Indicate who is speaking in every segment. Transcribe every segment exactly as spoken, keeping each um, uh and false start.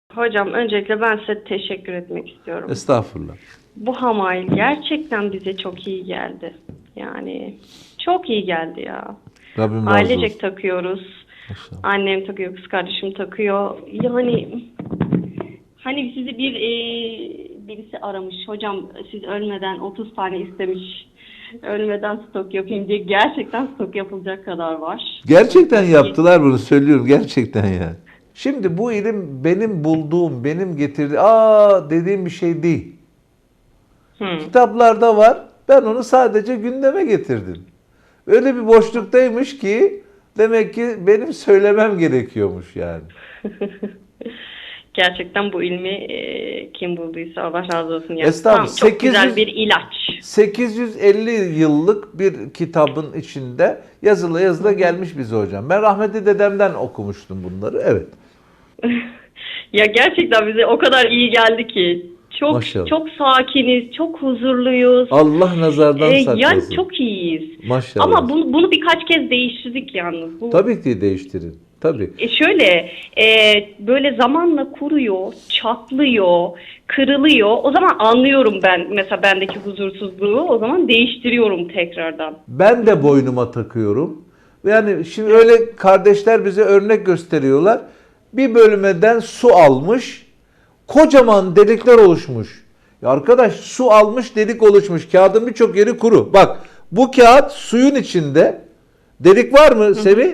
Speaker 1: Hocam öncelikle ben size teşekkür etmek istiyorum.
Speaker 2: Estağfurullah.
Speaker 1: Bu hamail gerçekten bize çok iyi geldi. Yani çok iyi geldi ya.
Speaker 2: Rabbim razı olsun.
Speaker 1: Ailecek takıyoruz.
Speaker 2: Maşallah.
Speaker 1: Annem takıyor, kız kardeşim takıyor. Yani hani sizi bir e, birisi aramış. Hocam siz ölmeden otuz tane istemiş. Ölmeden stok yapayım diye. Gerçekten stok yapılacak kadar var.
Speaker 2: Gerçekten yaptılar bunu, söylüyorum gerçekten yani. Şimdi bu ilim benim bulduğum, benim getirdiğim, aa dediğim bir şey değil.
Speaker 1: Hı.
Speaker 2: Kitaplarda var. Ben onu sadece gündeme getirdim. Öyle bir boşluktaymış ki demek ki benim söylemem gerekiyormuş yani.
Speaker 1: Gerçekten bu ilmi e, kim bulduysa Allah razı olsun. Yani
Speaker 2: Estağfurullah.
Speaker 1: tam çok
Speaker 2: sekiz yüz
Speaker 1: güzel bir ilaç.
Speaker 2: sekiz yüz elli yıllık bir kitabın içinde yazılı yazılı gelmiş bize hocam. Ben rahmetli dedemden okumuştum bunları. Evet.
Speaker 1: Ya gerçekten bize o kadar iyi geldi ki. Çok
Speaker 2: Maşallah.
Speaker 1: çok sakiniz, çok huzurluyuz.
Speaker 2: Allah nazardan
Speaker 1: Ee,
Speaker 2: saklasın.
Speaker 1: yani çok iyiyiz.
Speaker 2: Maşallah.
Speaker 1: Ama bunu, bunu birkaç kez değiştirdik yalnız. Bu,
Speaker 2: Tabii ki değiştirin. Tabii.
Speaker 1: E şöyle e, böyle zamanla kuruyor, çatlıyor, kırılıyor. O zaman anlıyorum ben mesela bendeki huzursuzluğu. O zaman değiştiriyorum tekrardan.
Speaker 2: Ben de boynuma takıyorum. Yani şimdi öyle kardeşler bize örnek gösteriyorlar. Bir bölmeden su almış. Kocaman delikler oluşmuş. Ya arkadaş, su almış, delik oluşmuş. Kağıdın birçok yeri kuru. Bak, bu kağıt suyun içinde. Delik var mı Semih?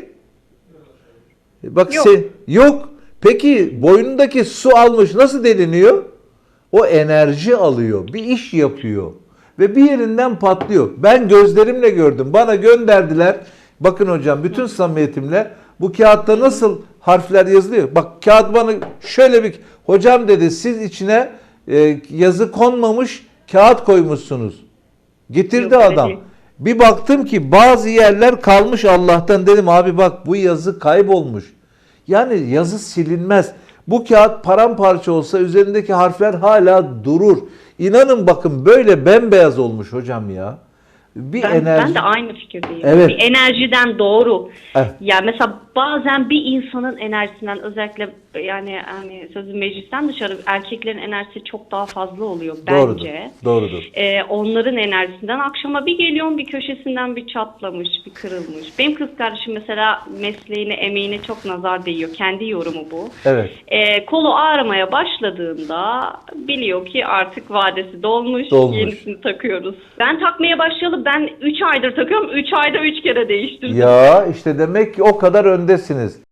Speaker 2: Bak
Speaker 1: Yok.
Speaker 2: se- yok. Peki boynundaki su almış nasıl deliniyor? O enerji alıyor, bir iş yapıyor ve bir yerinden patlıyor. Ben gözlerimle gördüm. Bana gönderdiler. Bakın hocam, bütün samimiyetimle, bu kağıtta nasıl harfler yazılıyor? Bak, kağıt bana şöyle bir, hocam dedi, siz içine e, yazı konmamış kağıt koymuşsunuz. Getirdi
Speaker 1: Yok, öyle
Speaker 2: adam.
Speaker 1: değil.
Speaker 2: Bir baktım ki bazı yerler kalmış Allah'tan, dedim abi bak bu yazı kaybolmuş. Yani yazı silinmez. Bu kağıt paramparça olsa üzerindeki harfler hala durur. İnanın bakın, böyle bembeyaz olmuş hocam ya. Bir
Speaker 1: Ben,
Speaker 2: enerji.
Speaker 1: ben de aynı fikirdeyim.
Speaker 2: Evet.
Speaker 1: Bir enerjiden doğru.
Speaker 2: Evet.
Speaker 1: Yani mesela bazen bir insanın enerjisinden, özellikle yani hani sözü meclisten dışarı, erkeklerin enerjisi çok daha fazla oluyor
Speaker 2: Doğrudur.
Speaker 1: bence.
Speaker 2: Doğrudur.
Speaker 1: Ee, onların enerjisinden akşama bir geliyorum, bir köşesinden bir çatlamış, bir kırılmış. Benim kız kardeşim mesela mesleğine, emeğine çok nazar değiyor. Kendi yorumu bu.
Speaker 2: Evet.
Speaker 1: Ee, kolu ağrımaya başladığında biliyor ki artık vadesi dolmuş,
Speaker 2: Dolmuş.
Speaker 1: yenisini takıyoruz. Ben takmaya başlayalı ben üç aydır takıyorum. üç ayda üç kere değiştirdim.
Speaker 2: Ya işte demek ki o kadar öndesiniz.